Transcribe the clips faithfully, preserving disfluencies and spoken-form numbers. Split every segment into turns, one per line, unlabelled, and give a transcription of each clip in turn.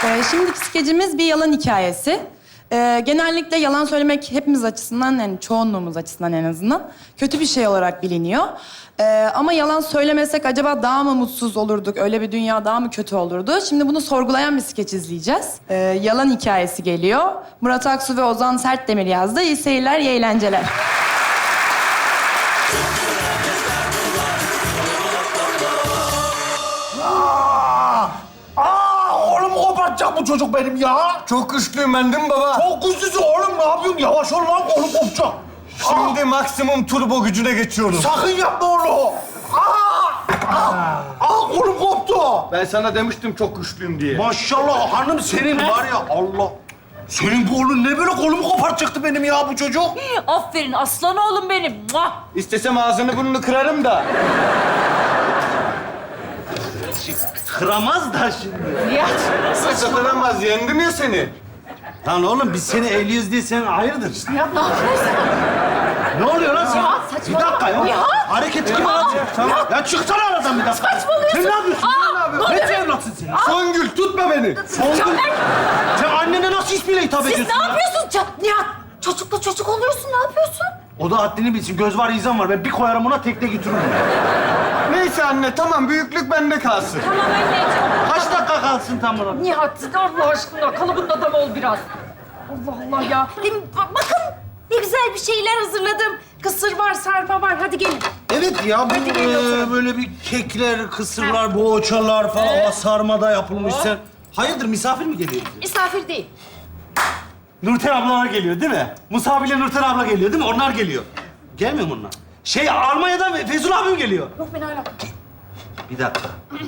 Ee, şimdiki skecimiz bir yalan hikayesi. Ee, genellikle yalan söylemek hepimiz açısından, yani çoğunluğumuz açısından en azından kötü bir şey olarak biliniyor. Ee, ama yalan söylemesek acaba daha mı mutsuz olurduk, öyle bir dünya daha mı kötü olurdu? Şimdi bunu sorgulayan bir skeç izleyeceğiz. Ee, yalan hikayesi geliyor. Murat Aksu ve Ozan Sertdemir yazdı. İyi seyirler, iyi eğlenceler.
Kopartacak bu çocuk benim ya.
Çok güçlüyüm ben değil mi baba?
Çok güçlüsün oğlum, ne yapıyorsun? Yavaş ol lan, oğlum kopacak.
Şimdi Aa. maksimum turbo gücüne geçiyorum.
Sakın yapma onu. Aa! Aa! Aa, kolum koptu.
Ben sana demiştim çok güçlüyüm diye.
Maşallah hanım, senin var ya Allah. Senin bu oğlun ne böyle kolumu kopartacaktı benim ya bu çocuk?
Aferin aslan oğlum benim. Muah!
İstesem ağzını burnunu kırarım da.
Kıramaz da şimdi.
Nihat.
Nasıl kıramaz? Yendim ya seni.
Lan oğlum biz seni elliyiz diye sen hayırdır?
Nihat ne yapıyorsun?
Ne oluyor lan sen?
Ya,
Bir
saçmalama.
dakika ya.
Ya.
Hareket gibi lan. Tamam. Ya çıksana aradan bir dakika.
Saçmalıyorsun.
Sen ne yapıyorsun?
Aa,
Sen ne yapıyorsun?
ne
Ne
oluyor?
evlatsın sen?
Songül tutma beni.
Songül. Sen annene nasıl ismiyle hitap
Siz
ediyorsun
ne
ya?
yapıyorsun? Ç- Nihat çocukla çocuk oluyorsun, ne yapıyorsun?
O da haddini bilsin. Göz var, izan var. Ben bir koyarım ona, tekte götürürüm.
Neyse anne tamam büyüklük bende kalsın.
Tamam anneciğim.
Kaç dakika kalsın tam olarak?
Nihat Allah aşkına kalıbın adam ol biraz. Allah Allah ya. Hem ba- bakın ne güzel bir şeyler hazırladım. Kısır var, sarma var. Hadi gelin.
Evet ya, bu
Hadi gelin oturun.
e, böyle bir kekler, kısırlar, boğaçalar falan
Evet.
sarmada yapılmış. Sen hayırdır, misafir mi geliyor?
Misafir değil.
Nurten ablalar geliyor değil mi? Musa ile Nurten abla geliyor değil mi? Onlar geliyor. Gelmiyor mu onlar? Şey, Almanya'dan Fezul abim geliyor.
Yok ben hala.
Bir dakika.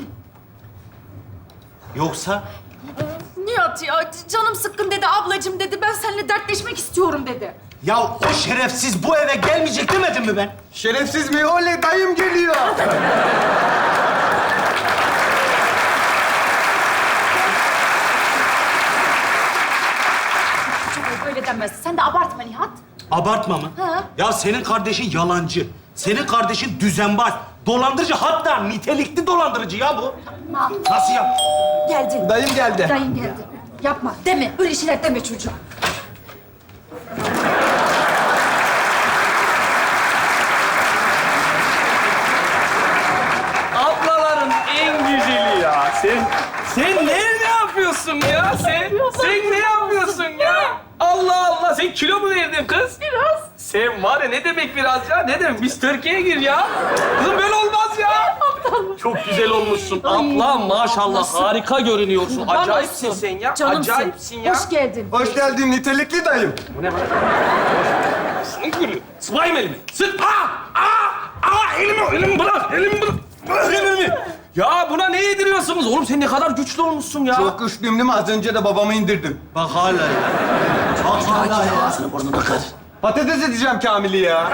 Yoksa?
Nihat ya canım sıkkın dedi, ablacığım dedi. Ben seninle dertleşmek istiyorum dedi.
Ya o şerefsiz bu eve gelmeyecek demedim mi ben?
Şerefsiz mi? Oley dayım geliyor.
Çok öyle denmez. Sen de abartma Nihat.
Abartma mı?
Ha.
Ya senin kardeşin yalancı. Senin kardeşin düzenbaz. Dolandırıcı, hatta nitelikli dolandırıcı ya bu.
Ma.
Nasıl yap?
Geldi.
Dayım geldi.
Dayın geldi. Yapma, deme. Öyle şeyler deme çocuğa.
Ablaların en güzeli ya. Sen sen ne ne yapıyorsun ya? Sen sen ne yapıyorsun ya? Allah Allah. Sen kilo mu verdin kız? Biraz. Sen var ya ne demek biraz ya? Ne demek? Biz Türkiye'ye gir ya. Kızım böyle olmaz ya. Çok güzel olmuşsun. Abla maşallah harika görünüyorsun. Acayipsin sen ya.
Canımsın.
Acayipsin ya.
Hoş geldin.
Hoş geldin nitelikli dayım.
Bu ne lan? Sen gülü. Sıvayım elimi. Sık. Aa! Aa! Aa! Elimi, elimi bırak. Elimi bırak. Bırak elimi. Ya buna ne yediriyorsunuz? Oğlum sen ne kadar güçlü olmuşsun ya.
Çok güçlüyüm değil mi? Az önce de babamı indirdim.
Bak hala ya. Bak hala ya.
Ağzını burnunu kır.
Patates edeceğim Kamil'i ya.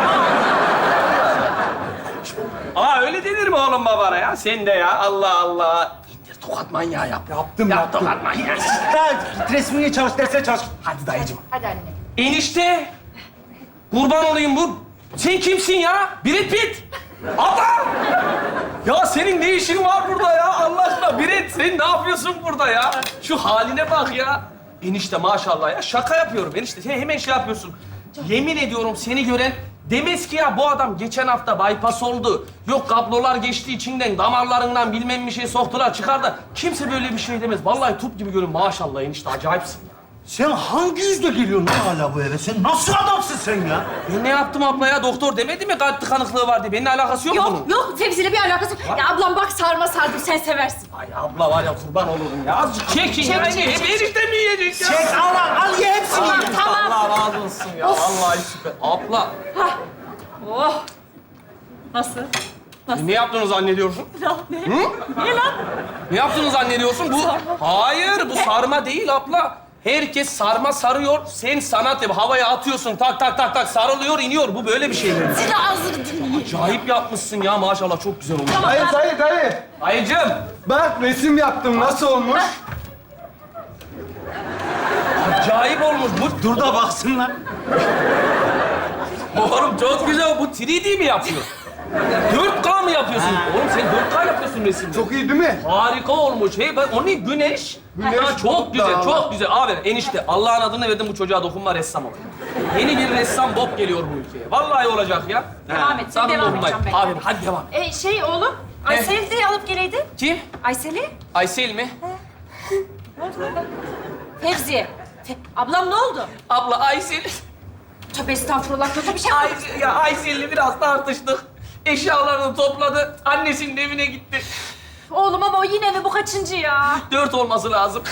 Aa öyle denir mi oğlum babana ya? Sen de ya Allah Allah. İndir tokat manyağı yap.
Yaptım
Yap
yaptım.
tokat manyağı.
Git resmini çalış, dersine çalış.
Hadi dayıcığım.
Hadi anne.
Enişte. Kurban olayım bu. Sen kimsin ya? Brad Pitt. Abla. Ya senin ne işin var burada ya? Allah aşkına Brad sen ne yapıyorsun burada ya? Şu haline bak ya. Enişte maşallah ya. Şaka yapıyorum enişte. Sen hemen şey yapıyorsun. Yemin ediyorum seni gören demez ki ya bu adam geçen hafta bypass oldu. Yok kablolar geçti içinden, damarlarından bilmem bir şey soktular çıkardı. Kimse böyle bir şey demez. Vallahi top gibi görün maşallah enişte acayipsin ya.
Sen hangi yüzle geliyorsun lan hala bu eve? Sen nasıl adamsın sen ya?
Ben ne yaptım abla ya? Doktor demedi mi kalp tıkanıklığı var diye? Benimle alakası yok, bunun.
Yok, yok. Fevzi'yle bir alakası yok. Ya ablam bak sarma sardım, sen seversin.
Ay abla var ya kurban olurum ya. Azıcık çekin
Çek,
ya.
çek,
Hep
çek.
enişte mi yiyecek ya?
Çek, al, al, al ye hepsini.
Tamam,
ye.
tamam.
Allah razı olsun ya. Vallahi süper. Abla,
Oh. Nasıl?
e, ne yaptığını zannediyorsun?
Ne? Niye lan?
Ne yaptığını zannediyorsun? Bu hayır, bu sarma değil abla. Herkes sarma sarıyor. Sen sanat yap. Havaya atıyorsun. Tak tak tak tak sarılıyor, iniyor. Bu böyle bir şey mi?
Siz de ağzını dinleyin.
Acayip yapmışsın ya maşallah. Çok güzel olmuş.
Dayı dayı dayı.
Ayıcığım.
Bak resim yaptım. Nasıl olmuş?
Acayip olmuş. Bu
Dur da baksınlar.
oğlum çok güzel. Bu üç D mi yapıyor? dört K mı yapıyorsun? Oğlum sen dört K yapıyorsun resimde.
Çok iyi değil mi?
Harika olmuş. Hey, ben, o ne? Güneş.
Güneş,
Ha, çok
bulut
güzel,
dağlar.
çok güzel. Abi enişte, Allah'ın adını verdim bu çocuğa dokunma, ressam ol. Yeni bir ressam Bob geliyor bu ülkeye. Vallahi olacak ya.
Devam et, sen
Sakın
devam
dokunmayın.
edeceğim ben.
Abi hadi devam.
E, şey oğlum, Aysel'i de alıp geleydin.
Kim?
Aysel'i?
Aysel mi?
Fevziye. Fe- Ablam ne oldu?
Abla Aysel.
Tövbe estağfurullah, kötü bir şey mi?
Aysel, ya Aysel'le biraz tartıştık. Eşyalarını topladı. Annesinin evine gitti.
Oğlum ama o yine mi? Bu kaçıncı ya?
Dört olması lazım.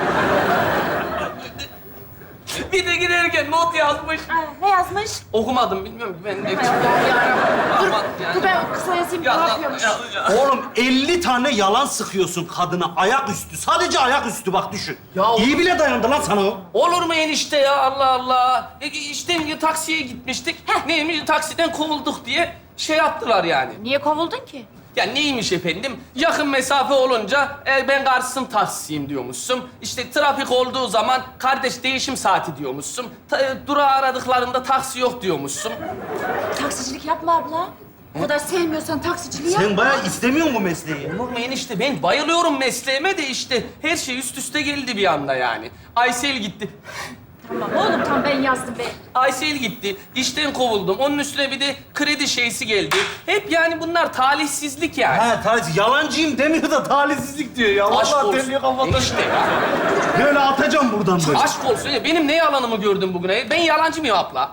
Bir de giderken not yazmış.
Ha, ne yazmış?
Okumadım, bilmiyorum ki ben de.
Hay Allah yarabbim. Dur,
Aman yani.
dur ben kısa yazayım.
Ya,
ne
ya,
yapıyormuş?
ya, ya.
Oğlum elli tane yalan sıkıyorsun kadına ayaküstü. Sadece ayaküstü bak düşün.
Ya oğlum-
İyi bile dayandı lan sana o.
Olur mu enişte ya, Allah Allah. E, işte taksiye gitmiştik. Neymiş, taksiden kovulduk diye şey yaptılar yani.
Niye kovuldun ki?
Ya neymiş efendim? Yakın mesafe olunca e, ben Kars'ın taksisiyim diyormuşsun. İşte trafik olduğu zaman kardeş değişim saati diyormuşsun. Ta, e, durağı aradıklarında taksi yok diyormuşsun.
Taksicilik yapma abla. O kadar sevmiyorsan taksiciliği
Sen
yapma.
bayağı istemiyorsun bu mesleği.
Olur mu enişte? Ben bayılıyorum mesleğime de işte her şey üst üste geldi bir anda yani. Aysel gitti.
Tamam oğlum, tamam ben yazdım be.
Aysel gitti. İşten kovuldum. Onun üstüne bir de kredi şeysi geldi. Hep yani bunlar talihsizlik yani.
Ha talihsiz. Yalancıyım demiyor da talihsizlik diyor ya.
Aşk
Vallahi
olsun.
deliyor kafadan.
Enişte ya.
Böyle atacağım buradan böyle.
Aşk olsun ya. Benim ne yalanımı gördün bugüne? Ben yalancı mıyım abla?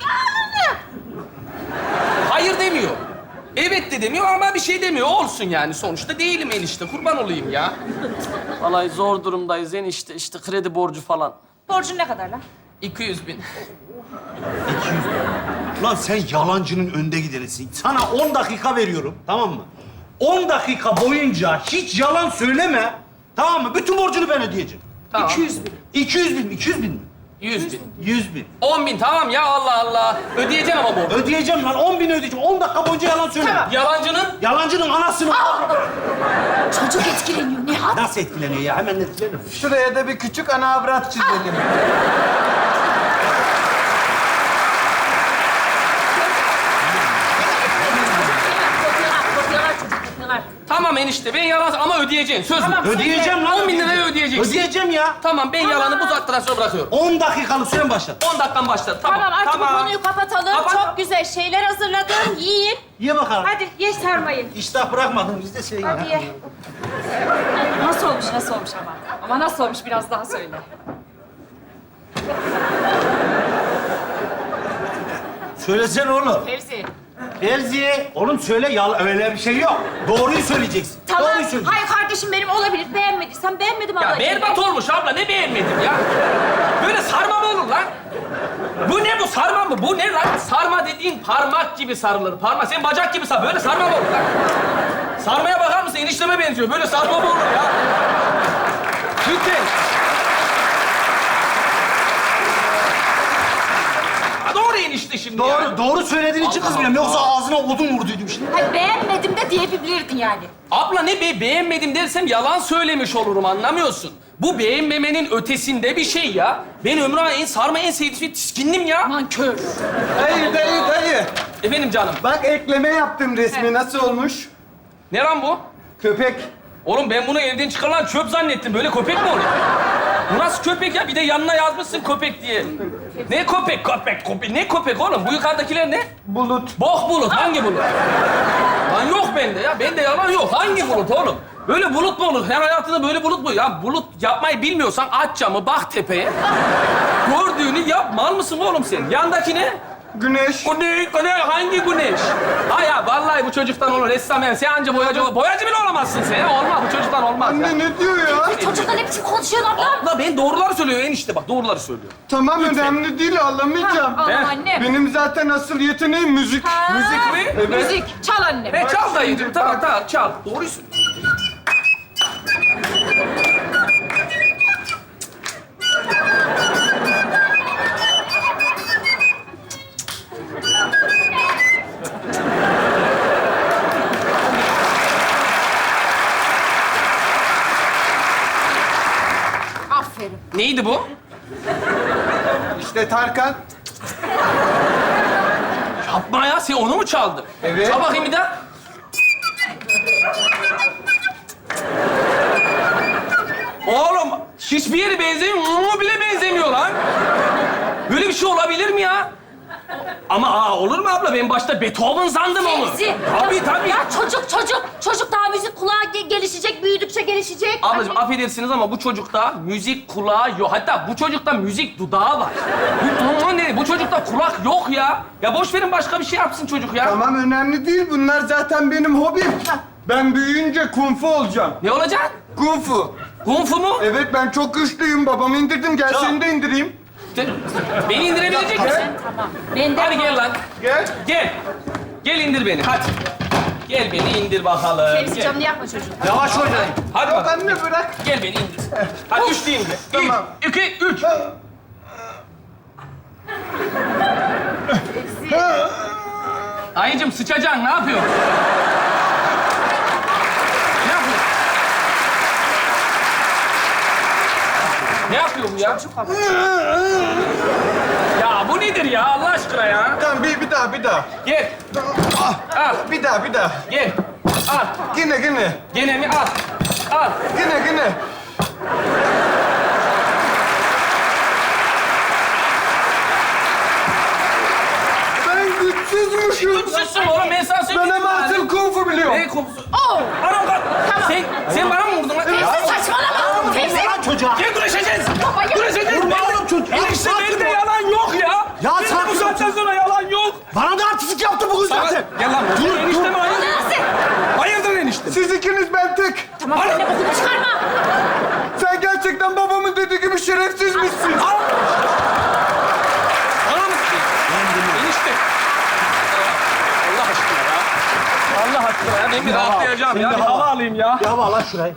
Hayır demiyor. Evet de demiyor ama bir şey demiyor. Olsun yani. Sonuçta değilim enişte. Kurban olayım ya. Vallahi zor durumdayız enişte. İşte kredi borcu falan.
Borcun ne kadar lan?
iki yüz bin.
Lan sen yalancının önde gidenisin. Sana on dakika veriyorum, tamam mı? on dakika boyunca hiç yalan söyleme, tamam mı? Bütün borcunu ben ödeyeceğim.
Tamam.
iki yüz bin. iki yüz bin, iki yüz bin mi?
yüz bin.
yüz bin.
on bin tamam ya, Allah Allah. Ödeyeceğim ama bu.
Ödeyeceğim lan, on bin ödeyeceğim. on dakika boyunca yalan söyleme.
Yalancının
Yalancının anasını...
Çocuk etkileniyor Nihat.
Nasıl etkileniyor ya? Hemen etkilenir.
Şuraya da bir küçük ana avrat çizelim.
Kopuyorlar, kopuyorlar çocuk, kopuyorlar.
tamam enişte ben yalan ama ödeyeceksin. Söz mü?
Tamam.
Ödeyeceğim lan.
on bin lirayı
ödeyeceğim.
ödeyeceksin.
Ödeyeceğim ya.
Tamam ben yalanı bu saatten sonra bırakıyorum.
on dakikalık süren başladı.
on dakikan başladı. Tamam.
Tamam, artık bu konuyu kapatalım.
Kapat.
Çok güzel şeyler hazırladım. Yiyin.
Ye bakalım.
Hadi ye sarmayı.
İştah bırakmadın biz de şey ya.
Hadi ye. Nasıl olmuş, nasıl olmuş ama? Ama nasıl olmuş biraz daha söyle.
Söylesene oğlum.
Fevzi.
Elziye, oğlum söyle ya öyle bir şey yok. Doğruyu söyleyeceksin.
Tamam.
Doğruyu söyleyeceksin.
Hayır kardeşim benim olabilir. Beğenmediysen beğenmedim
Ya
ablacığım.
berbat olmuş abla, ne beğenmedim ya? Böyle sarma mı olur lan? Bu ne bu, sarma mı? Bu ne lan? Sarma dediğin parmak gibi sarılır. Parmak, sen bacak gibi sar. Böyle sarma mı olur lan? Sarmaya bakar mısın? Enişteme benziyor. Böyle sarma mı olur ya? Lütfen. Ha, doğru enişte şimdi ya.
Doğru, doğru söylediğin için
Allah
kızmıyorum. Yoksa
Allah.
ağzına odun vurduydum şimdi.
Hayır beğenmedim de diyebilirdin yani.
Abla ne be, beğenmedim dersem yalan söylemiş olurum, anlamıyorsun. Bu beğenmemenin ötesinde bir şey ya. Ben Ömrü'ne en sarma en sevdiğim şey tiskindim ya.
Nankör.
Dayı, dayı, dayı.
Efendim canım.
Bak ekleme yaptım resmi. Nasıl olmuş?
Ne lan bu?
Köpek.
Oğlum ben bunu evden çıkarılan çöp zannettim. Böyle köpek mi olur? Bu nasıl köpek ya? Bir de yanına yazmışsın köpek diye. Ne köpek? Köpek, köpek. Ne köpek oğlum? Bu yukarıdakiler ne?
Bulut.
Bok bulut. Hangi bulut? Lan yok bende ya. Bende yalan yok. Hangi bulut oğlum? Böyle bulut mu olur? Her hayatında böyle bulut mu? Ya bulut yapmayı bilmiyorsan aç camı, bak tepeye. Gördüğünü yap. Mal mısın oğlum sen? Yandaki ne?
Güneş.
Güneş, güneş, hangi güneş? Ha ya vallahi bu çocuktan olur. Ressam yani. Sen anca boyacı, boyacı bile olamazsın sen ya. Olmaz, bu çocuktan olmaz ya.
Anne ne diyor ya?
Çocukla ne biçim konuşuyorsun ablam?
Abla ben doğruları söylüyor enişte bak, doğruları söylüyor.
Tamam önemli değil ağlamayacağım.
Al
He?
anne.
Benim zaten asıl yeteneğim müzik.
Ha,
Müzik mi?
Evet.
Müzik. Çal anne.
He çal
şimdi,
dayıcığım, tamam
bak.
tamam çal. Doğruyu söylüyor.
Aferin.
Neydi bu?
İşte Tarkan.
Yapma ya, sen onu mu çaldın?
Evet.
Çal bakayım bir daha. Oğlum, hiçbir yeri benzemiyor, mu bile benzemiyor lan. Böyle bir şey olabilir mi ya? Ama aa, olur mu abla? Ben başta Beethoven sandım onu.
Fevzi.
Tabii tabii.
Ya çocuk çocuk. Çocuk daha müzik kulağı ge- gelişecek, büyüdükçe gelişecek.
Ablacığım affedersiniz ama bu çocukta müzik kulağı yok. Hatta bu çocukta müzik dudağı var. Bu, bu, ne? Bu çocukta kulak yok ya. Ya boş verin, başka bir şey yapsın çocuk ya.
Tamam önemli değil. Bunlar zaten benim hobim. Ben büyüyünce kung fu olacağım.
Ne olacak?
Kung fu.
Kung fu mu?
Evet ben çok güçlüyüm. Babamı indirdim. Gel seni de indireyim.
De- Beni indirebilecek misin?
Tamam. Ben de
Hadi gel lan.
Gel.
Gel. Gel indir beni, hadi. Gel beni indir bakalım.
Fevzi
Gel.
canını yakma çocuğum.
Yavaş oynayın.
Hadi
Yok
bakalım.
anne bırak.
Gel beni indir. Hadi üç deyince.
Tamam.
Bir, iki, üç. Ayıcım sıçacaksın, ne yapıyorsun? Ne yapıyorsun? Ne yapıyor bu ya? Ya bu nedir ya Allah aşkına ya?
Tamam bir, bir daha bir daha.
Gel. Al.
Bir daha bir daha.
Gel. Al.
Yine yine.
Gene mi? Al. Al.
Yine yine. Ben güçsüzmüşüm.
Suçsun oğlum, ben sana
Ben
söyleyeyim.
ama asıl kung fu biliyorum.
Ne kokusu?
Oo!
Anam kalk. Sen, sen bana mı vurdun lan?
Fevzi saçmalama. Fevzi.
Lan çocuğa.
Gel güreşeceğiz.
Baba ya.
Güreşeceğiz.
Vurma
Ben-
oğlum çocuğa.
Enişte
Sakin
bende
ol.
yalan yok ya.
Ya
Bende
sakin
bu
ol
saatten
çocuğum.
sonra yalan yok.
Bana da artistik yaptı bugün zaten.
Gel lan. Dur, enişte mi hayırdır?
Nasıl?
Hayırdır enişte?
Siz ikiniz ben tek.
Tamam sen de bokunu çıkarma.
Sen gerçekten babamın dediği gibi şerefsizmişsin.
Bana mı? Enişte. Allah aşkına ya. Allah aşkına ya. Ben bir rahatlayacağım
sen
ya.
de
Bir
hava.
hava alayım ya.
Ya hava lan şurayı.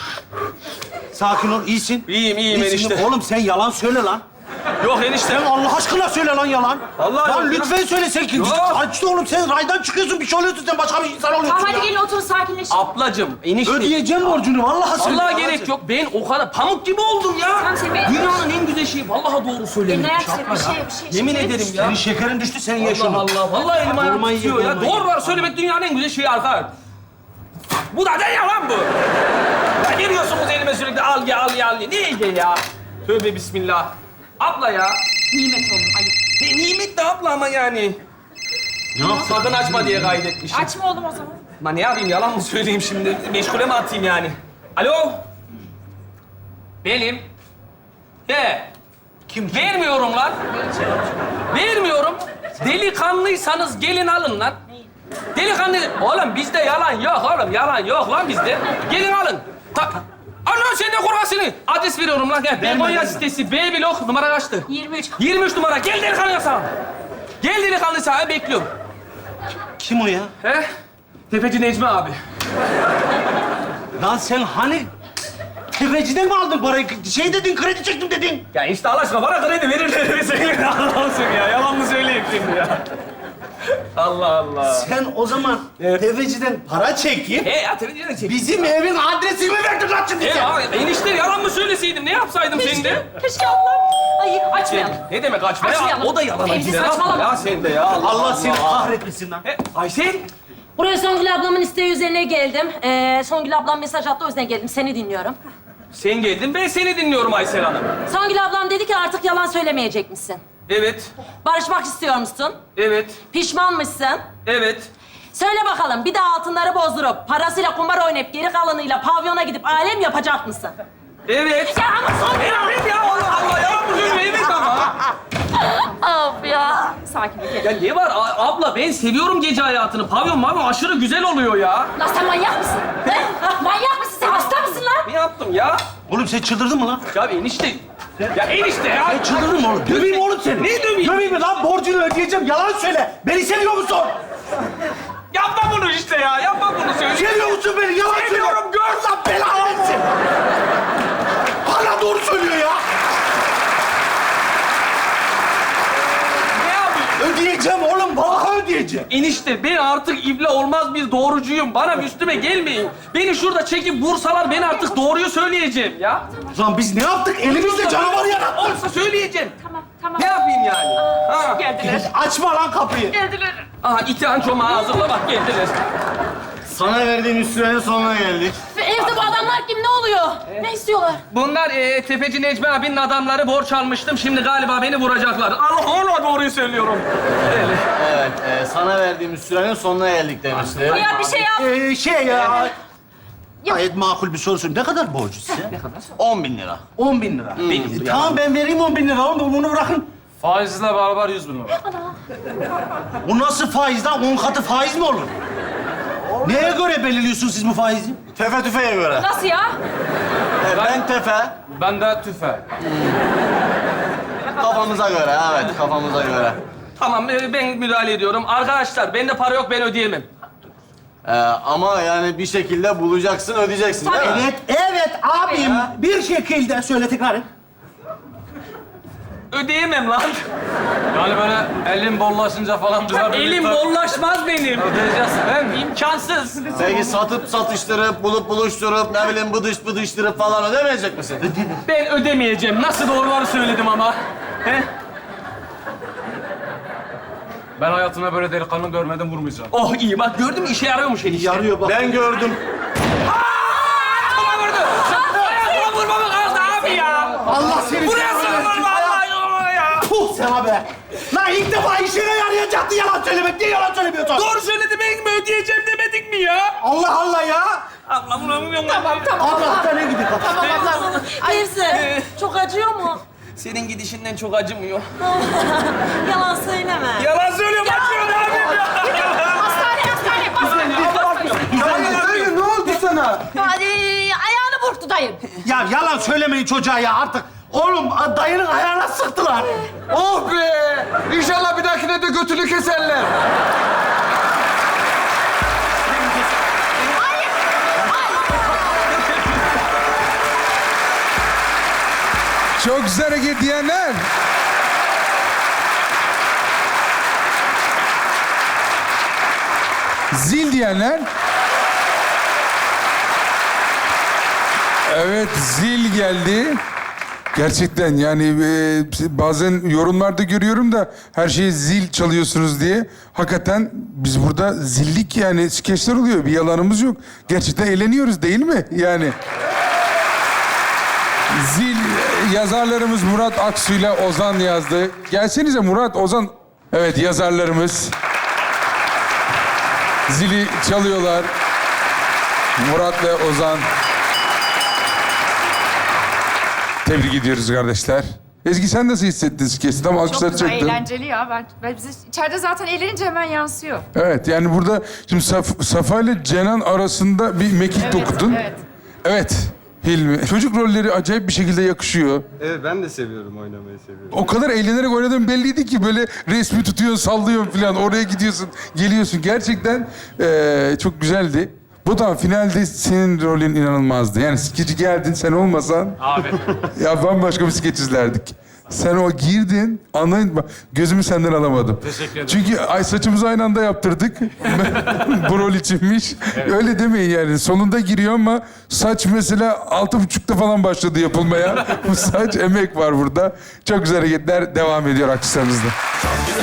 Sakin ol, iyisin.
İyiyim, iyiyim
İyisin.
enişte.
Oğlum sen yalan söyle lan.
Yok enişte.
Sen Allah aşkına söyle lan yalan.
Vallahi
Lan
yok ya.
lütfen söyle sen kim?
Yok.
Açtı oğlum sen raydan çıkıyorsun bir şey oluyorsun sen başka bir insan oluyorsun
Tamam
ya.
hadi gelin oturun sakinleşin.
Ablacığım, enişte.
Ödeyeceğim borcunu vallahi söyle.
Vallahi
yalan
gerek
söyle.
yok. Ben o kadar pamuk gibi oldum ya.
Tamam, sen be-
Dünyanın en güzel şeyi. Vallahi doğru söyledim.
Eline ayak
Şapka
bir şey,
ya.
bir şey.
Yemin
Şekerin
ederim
düştü.
ya.
Senin şekerin düştü sen ye
Allah
şunu.
Allah. Vallahi elim ayağım
Vurmayı
tutuyor
ye,
ya.
vurmayı
Doğru
ye.
var. Söylemek dünyanın en güzel şeyi arkadaş. Bu da ne ya lan bu? Ya geliyorsunuz elime sürekli al ye al ye al ye. Ne ye ya? Tövbe bismillah. Abla ya.
Nimet oğlum ayıp.
Ne nimet de abla ama yani.
Ne yaptın?
Sakın açma diye kaydetmişim.
Açma oğlum o zaman.
Lan ne yapayım, yalan mı söyleyeyim şimdi? Meşgule mi atayım yani? Alo? Benim. He.
Kim kim?
Vermiyorum lan. Vermiyorum. Delikanlıysanız gelin alın lan. Delikanlı... Oğlum bizde yalan yok oğlum. Yalan yok lan bizde. Gelin alın. Ta... Ana sen de kurasını. Adres veriyorum lan. Gel. Begonya sitesi B blok numara kaçtı?
yirmi üç.
yirmi üç numara. Gel delikanlı sana. Gel delikanlı sana bekliyorum.
Kim o ya?
He? Tefeci Necmi abi.
Lan sen hani tefeciden mi aldın parayı? Şey dedin, kredi çektim dedin.
Ya işte Allah aşkına bana kredi verirler mi söyleyeyim Allah'ım ya. Yalan mı söyleyeyim şimdi ya? Allah Allah.
Sen o zaman tefeciden para çekip
He ya televizyon çek.
bizim evin adresini mi verdin lan şimdi
He
sen?
ya enişte yalan mı söyleseydim? Ne yapsaydım senin de?
Keşke ablam. Ay açmayalım.
Ne demek açma ya?
Açmayalım.
O da yalana
Fevzi,
gider.
saçmalama.
Ya sen de ya. Allah,
Allah seni kahretmesin lan.
He, Aysel.
Buraya Songül ablamın isteği üzerine geldim. Ee, Songül ablam mesaj attı, o yüzden geldim. Seni dinliyorum.
Sen geldin, ben seni dinliyorum Aysel Hanım.
Songül ablam dedi ki artık yalan söylemeyecek misin?
Evet,
Barışmak istiyor musun?
evet,
Pişmanmışsın.
evet.
Söyle bakalım, bir daha altınları bozdurup, parasıyla kumar oynayıp, geri kalanıyla pavyona gidip alem yapacak mısın?
Evet.
Ya ama Songül...
Evet ya Allah Allah ya. Bu söylüyor evet ama.
Of ya.
Sakin ol.
Ya ne var A- abla, ben seviyorum gece hayatını. Pavyon mavyon aşırı güzel oluyor ya.
Lan sen manyak mısın? He? Manyak mısın sen? Hasta mısın lan?
Ne yaptım ya?
Oğlum sen çıldırdın mı lan?
Ya enişte. Ya enişte ya.
Ben çıldırdım oğlum. Döveyim oğlum seni.
Ne döveyim?
Döveyim mi lan? Borcunu ödeyeceğim. Yalan söyle. Beni seviyor musun?
Yapma bunu işte ya. Yapma bunu söyle.
Seviyor musun beni? Yalan söyle.
Seviyorum, gör.
Allah belanı versin. Hala doğru söylüyor ya.
Ne yapayım?
Ödeyeceğim oğlum. Vallahi ödeyeceğim.
Enişte ben artık ibne olmaz bir doğrucuyum. Bana üstüme gelmeyin. Beni şurada çekip vursalar ben artık doğruyu söyleyeceğim ya.
Lan biz ne yaptık? Elimizde canavar yarattık.
Olsa söyleyeceğim.
Tamam tamam.
Ne yapayım yani? Ha.
Geldiler.
Açma lan kapıyı.
Geldiler.
Aha itihan çomağı hazırla bak geldiler.
Sana verdiğim sürenin sonuna geldik.
Ve evde bu adamlar kim? Ne oluyor? Ne istiyorlar?
Bunlar e, Tefeci Necmi abinin adamları borç almıştım. Şimdi galiba beni vuracaklar. Allah Allah doğruyu söylüyorum. Öyle.
Evet, e, sana verdiğim sürenin sonuna geldik demişti.
Ya bir şey yap.
Ee, şey ya... Gayet makul bir soru sorayım. Ne kadar borcu size?
on bin lira.
On bin lira. Benim, tamam ben vereyim on bin lira. Oğlum bunu bırakın.
Faizle beraber yüz bin lira.
Bu nasıl faiz lan? On katı faiz mi olur? Neye göre belirliyorsunuz siz bu faizi?
Tefe tüfeğe göre.
Nasıl ya?
E, ben tefe,
Ben de tüfe.
kafamıza göre, evet kafamıza göre.
Tamam e, ben müdahale ediyorum. Arkadaşlar bende para yok ben ödeyemem.
E, ama yani bir şekilde bulacaksın, ödeyeceksin değil mi?
Evet, evet abim. Bir şekilde söyle tekrar et.
Ödeyemem lan.
Yani böyle elim bollaşınca falan bize
Elim bollaşmaz benim.
Ödeyeceksin değil mi?
İmkansız.
Peki satıp satıştırıp, bulup buluşturup, ne bileyim bıdış bıdıştırıp falan ödemeyecek misin?
Ben ödemeyeceğim. Nasıl doğruları söyledim ama. He?
Ben hayatımda böyle delikanlı görmedim, vurmayacağım.
Oh iyi bak gördün mü işe yarıyormuş enişte.
Yarıyor bak.
Ben gördüm.
Ayaklıma vurdu. Ayaklıma vurmamı kaldı abi ya.
Allah seni
Buraya sıkılır vallahi ya.
Puh sana be. Lan ilk defa işine yarayacaktı yalan söylemek. Niye yalan söylemiyorsun?
Doğru söyledi ben mi ödeyeceğim demedik mi ya?
Allah Allah ya.
Allah vuramıyorum. Tamam
Allah'tan ne gidiyor?
Teyze, çok acıyor mu?
Senin gidişinden çok acımıyor.
Yalan söyleme.
Yalan söylüyorum acıyor ne yapayım ya?
Hastane, hastane, hastane.
Dayı, dayı ne oldu sana?
Hadi, ayağını burktu dayım.
Ya yalan söylemeyin çocuğa ya artık. Oğlum dayının ayağına sıktılar.
Oh be! İnşallah bir dahakine de götünü keserler.
Çok güzel hareket diyenler. Zil diyenler. Evet, zil geldi. Gerçekten yani e, bazen yorumlarda görüyorum da her şeyi zil çalıyorsunuz diye. Hakikaten biz burada zillik yani skeçler oluyor. Bir yalanımız yok. Gerçekten eğleniyoruz değil mi? Yani. Zil yazarlarımız Murat Aksu ile Ozan yazdı. Gelsenize Murat, Ozan. Evet yazarlarımız. Zili çalıyorlar. Murat ve Ozan. Tebrik ediyoruz kardeşler. Ezgi sen nasıl hissettin skeçi? Tam alkışlar
Çok güzel,
çaktın.
eğlenceli ya. Ben, ben bize içeride zaten eğlenince hemen yansıyor.
Evet yani burada şimdi Saf- Safa ile Cenan arasında bir mekik
Evet,
dokudun.
evet.
Evet. Hilmi. Çocuk rolleri acayip bir şekilde yakışıyor.
Evet ben de seviyorum, oynamayı seviyorum.
O kadar eğlenerek oynadığın belliydi ki böyle resmi tutuyorsun, sallıyorsun falan. Oraya gidiyorsun, geliyorsun. Gerçekten eee, çok güzeldi. Bu da finalde senin rolün inanılmazdı. Yani skeci geldin, sen olmasan...
Abi.
Ya bambaşka bir skeç izlerdik. Sen o girdin, anlayın bak gözümü senden alamadım.
Teşekkür ederim.
Çünkü ay saçımızı aynı anda yaptırdık. Bu rol içinmiş. Öyle demeyin yani. Sonunda giriyor ama saç mesela altı buçukta falan başladı yapılmaya. Bu saç emek var burada. Çok güzel hareketler devam ediyor alkışlarınızla.